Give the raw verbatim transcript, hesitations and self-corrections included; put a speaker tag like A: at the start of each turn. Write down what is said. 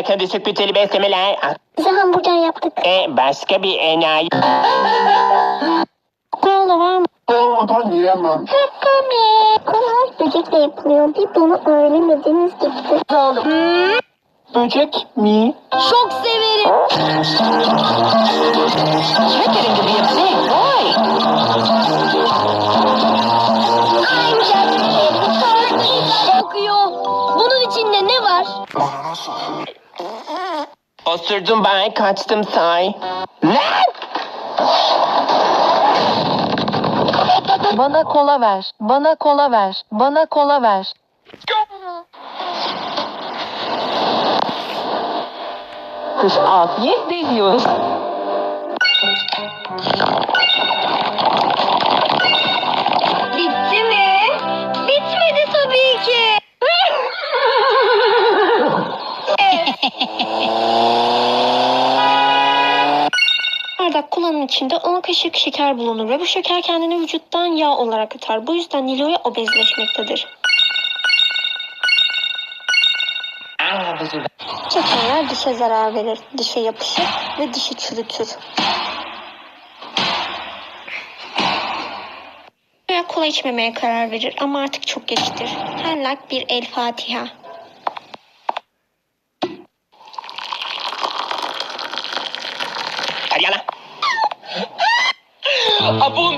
A: Bırakın düşük bütçeli beslemeler.
B: Bize hamburger yaptık.
A: E, başka bir enayi.
B: Kola var mı?
C: Aa, ben yiyemem.
B: Kola böcekle yapılıyor deyip onu öğrenemediğiniz gitti.
C: Böcek mi?
D: Çok severim.
A: You're getting to be a big boy.
B: I'm just kidding, Corky.
D: Kokuyor. Bunun içinde ne var?
C: Bana nasıl?
A: Osurdum ben, kaçtım say. Lan!
E: Bana kola ver. Bana kola ver. Bana kola ver.
A: Kış afiyet diliyoruz.
D: Bitti mi? Bitmedi tabii ki.
F: Bardak kolanın içinde on kaşık şeker bulunur ve bu şeker kendini vücuttan yağ olarak atar. Bu yüzden Nilo'ya obezleşmektedir. Şekerler dişe zarar verir, dişe yapışır ve dişi çürütür. Veya kola içmemeye karar verir ama artık çok geçtir. Her like bir El Fatiha.
A: Hadi yana. Abum